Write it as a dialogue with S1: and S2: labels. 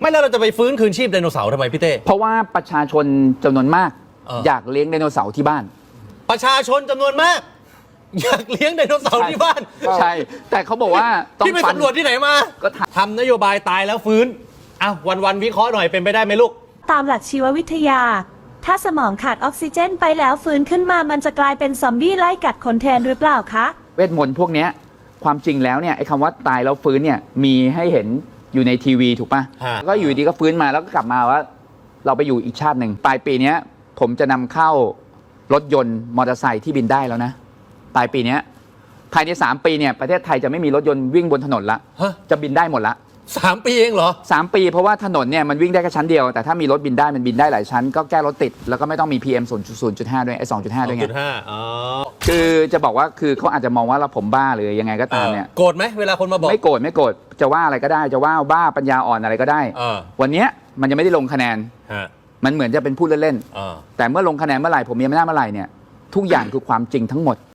S1: ไม่แล้วเราจะไปฟื้นคืนชีพไดโนเสาร์ทำไมพี่เต้
S2: เพราะว่าประชาชนจำนวนมากอยากเลี้ยงไดโนเสาร์ที่บ้าน
S1: ประชาชนจำนวนมากอยากเลี้ยงไดโนเสาร์ที่บ้าน
S2: ใช่แต่เขาบอกว่าต้อง
S1: พี่ไปสำรวจที่ไหนมา
S2: ก็
S1: ทำนโยบายตายแล้วฟื้นอ้าววันวิเคราะห์หน่อยเป็นไปได้ไหมลูก
S3: ตามหลักชีววิทยาถ้าสมองขาดออกซิเจนไปแล้วฟื้นขึ้นมามันจะกลายเป็นซอมบี้ไล่กัดคนแทนหรือเปล่าคะ
S2: เวทมนต์พวกนี้ความจริงแล้วเนี่ยไอ้คำว่าตายแล้วฟื้นเนี่ยมีให้เห็นอยู่ในทีวีถูกปะก็อยู่ดีก็ฟื้นมาแล้วก็กลับมาว่าเราไปอยู่อีกชาติหนึ่งปลายปีนี้ผมจะนำเข้ารถยนต์มอเตอร์ไซค์ที่บินได้แล้วนะปลายปีนี้ภายใน3 ปีเนี่ยประเทศไทยจะไม่มีรถยนต์วิ่งบนถนนละจะบินได้หมดละ
S1: 3 ปีเองเหรอ
S2: 3 ปีเพราะว่าถนนเนี่ยมันวิ่งได้แค่ชั้นเดียวแต่ถ้ามีรถบินได้มันบินได้หลายชั้นก็แก้รถติดแล้วก็ไม่ต้องมี PM 0.5 ด้วยไอ้ 2.5 ด้วยไง คือจะบอกว่าคือเขาอาจจะมองว่าเราผมบ้าหรือยังไงก็ตามเนี่ย
S1: โกรธไหมเวลาคนมาบอก
S2: ไม่โกรธจะว่าอะไรก็ได้จะว่าบ้าปัญญาอ่อนอะไรก็ได้วันนี้มันยังไม่ได้ลงคะแนนมันเหมือนจะเป็นพูดเล่นๆแต่เมื่อลงคะแนนเมื่อไหร่ผมมีอำนาจเมื่อไหร่เนี่ยทุกอย่างคือความจริงทั้งหมด